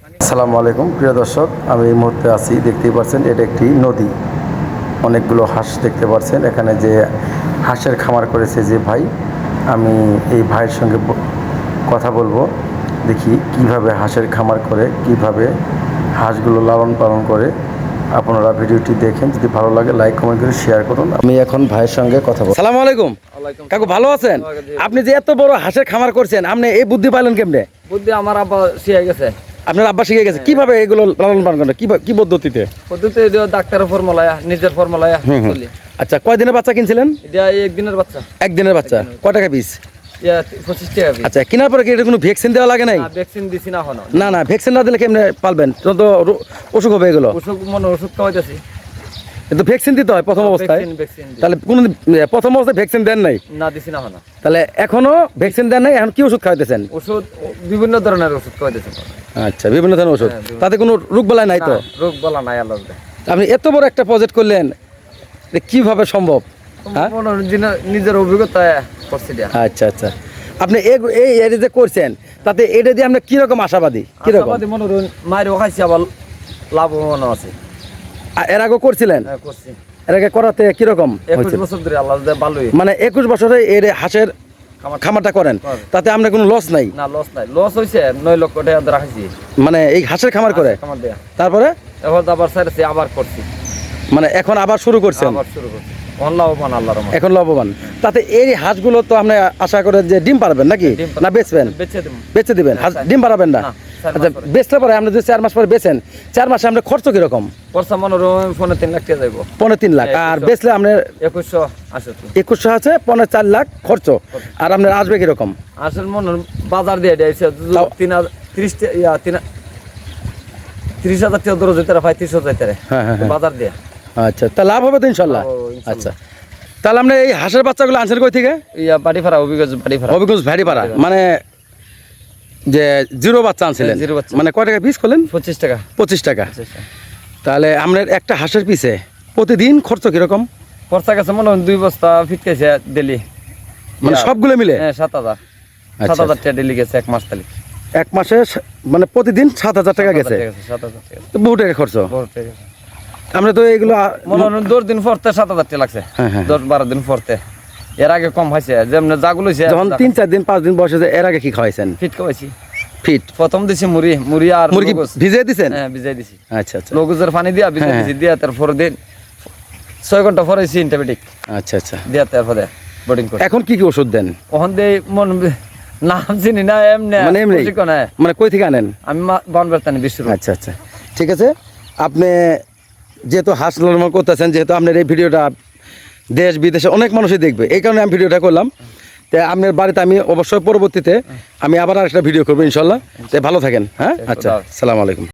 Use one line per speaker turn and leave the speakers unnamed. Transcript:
আসসালামু আলাইকুম প্রিয় দর্শক, আমি এই মুহূর্তে আছি, দেখতেই পাচ্ছেন এটা একটি নদী। অনেকগুলো হাঁস দেখতে পাচ্ছেন এখানে। যে হাঁসের খামার করেছে যে ভাই, আমি এই ভাইয়ের সঙ্গে কথা বলবো। দেখি কিভাবে হাঁসের খামার করে, কিভাবে হাঁসগুলো লালন পালন করে। আপনারা ভিডিওটি দেখেন, যদি ভালো লাগে লাইক কমেন্ট করে শেয়ার করুন। আমি এখন ভাইয়ের সঙ্গে কথা বলবো।
সালাম আলাইকুম কাকু, ভালো আছেন? আপনি যে এত বড় হাঁসের খামার করছেন, আপনি এই বুদ্ধি পাইলেন কেমনে?
বুদ্ধি আমার আব্বা শিখে গেছে।
আপনার আব্বা শিখে গেছে কিভাবে এগুলো লালন পালন করেন, কি পদ্ধতিতে?
ডাক্তারের ফর্মুলায়, নিজের ফর্মুলায় চলি।
আচ্ছা, কয় দিনের বাচ্চা কিনছিলেন?
এটা একদিনের বাচ্চা।
একদিনের বাচ্চা কয় টাকা পিস?
25 টাকা পিস।
আচ্ছা, কেনার পরে কি এটা কোনো ভ্যাকসিন দেওয়া লাগে নাই?
ভ্যাকসিন দিছি না এখনো।
না, ভ্যাকসিন না দিলে কেমনে পালবেন? তখন তো অসুখ হবে এগুলো।
ওষুধ খাওয়াইতেছি।
কিন্তু ভ্যাকসিন দিতে হয় প্রথম অবস্থায়। তাহলে কোন প্রথম অবস্থায় ভ্যাকসিন দেন নাই?
না, দিছি না এখনো।
তাহলে এখনো ভ্যাকসিন দেন নাই, এখন কি ওষুধ খাওয়াইতেছেন?
ওষুধ বিভিন্ন ধরনের ওষুধ খাওয়াইতেছি।
আচ্ছা, বিভিন্ন ধরনের ওষুধ। তাতে কোনো রোগ বালাই নাই তো?
রোগ বলা নাই আল্লাহ।
আপনি এত বড় একটা প্রজেক্ট করলেন, কিভাবে সম্ভব?
নিজের অভিজ্ঞতা করছি।
আচ্ছা, আপনি এই যে করছেন, তাতে এটা দিয়ে আপনি কিরকম আশাবাদী? কিরকম
মায়ের খাইছি, আবার লাভবান আছে।
এর আগে করছিলেন?
করছি।
এর আগে করাতে কিরকম?
21 বছর ধরে আল্লাহ ভালোই।
মানে 21 বছরে এই হাঁসের খামারটা করেন, তাতে আপনার কোনো লস নাই?
না, লস নাই। লস হয়েছে 9 লক্ষ টাকা রাখছি।
মানে এই হাঁসের খামার করে তারপরে
এখন আবার ছাড়ছি, আবার করছি।
মানে এখন আবার শুরু করছেন?
আবার শুরু করছি। লাভবান আল্লাহর রহমতে।
এখন লাভবান। তাতে এই হাঁসগুলো তো আপনি আশা করে যে ডিম পারবেন নাকি না বেচবেন? বেচে দিবেন। ডিম পারাবেন না? আচ্ছা, বেচতে পারে আপনি যদি 4 মাস পরে বেচেন, 4 মাসে আপনার খরচ কিরকম?
খরচা মনে হয় 3.5 লাখ টাকা যাইব।
3.5 লাখ। আর বেচলে আপনার
2100 আছে। 2100
আছে, 4 লাখ খরচ। আর আপনার আসবে কিরকম?
আসলে মনে বাজার দিয়ে দিয়েছে 30,000 টাকা ধরো যেতে পাই, 30,000 টাকা বাজার দিয়ে।
আচ্ছা, তা লাভ হবে তো ইনশাল্লাহ? আচ্ছা, তাহলে আপনি এই হাঁসের বাচ্চাগুলো আনছেন কই থেকে?
বাড়িপাড়া, হবিগঞ্জ
ভাড়িপাড়া। মানে যে জিরো বাচ্চা আনছিলেন? মানে কয় টাকা পিস করলেন?
25 টাকা।
25 টাকা। তাহলে আপনার একটা হাঁসের পিছে প্রতিদিন খরচ কিরকম?
খরচা গেছে মনে হয় 2 বস্তা ফিটকেছে ডেলি।
মানে সবগুলো মিলে?
হ্যাঁ, 7,000 টাকা ডেলি গেছে এক মাস। তাহলে
এক মাসে মানে প্রতিদিন 7,000 টাকা গেছে।
7,000 টাকা
তো বহু টাকা খরচ। আমরা তো এগুলো
মনে হয় 10 দিন পরতে 7,000 টাকা লাগছে। 10-12 দিন পরতে। এর আগে কম হয়েছে, যেমন জাগুলো যখন
3-4 দিন 5 দিন বয়সে। এর আগে কি খাওয়াইছেন?
ফিট খাওয়াইছি।
ফিট
প্রথম দিছি মুড়ি আর
মুরগি ভিজিয়ে দিছেন?
হ্যাঁ, ভিজিয়ে দিছি।
আচ্ছা,
লগুজের পানি দিয়া ভিজিয়ে দিছি। দিয়া তারপর দিন 6 ঘন্টা পরে অ্যান্টিবায়োটিক।
আচ্ছা।
দিয়া তারপরে বোর্ডিং করে।
এখন কি ওষুধ দেন?
ওখান দিয়ে নাম চিনি না, এমনি
মানে কই থেকে আনেন?
আমি বানবেরতানি বিশ্ব।
আচ্ছা, ঠিক আছে। আপনি যেহেতু হাঁস লালন করতেছেন, যেহেতু আপনার এই ভিডিওটা দেশ বিদেশে অনেক মানুষই দেখবে, এই কারণে আমি ভিডিওটা করলাম। তো আপনার বাড়িতে আমি অবশ্যই পরবর্তীতে আমি আবার আরেকটা ভিডিও করবো ইনশাল্লাহ। ভালো থাকেন। হ্যাঁ, আচ্ছা, আসসালামু আলাইকুম।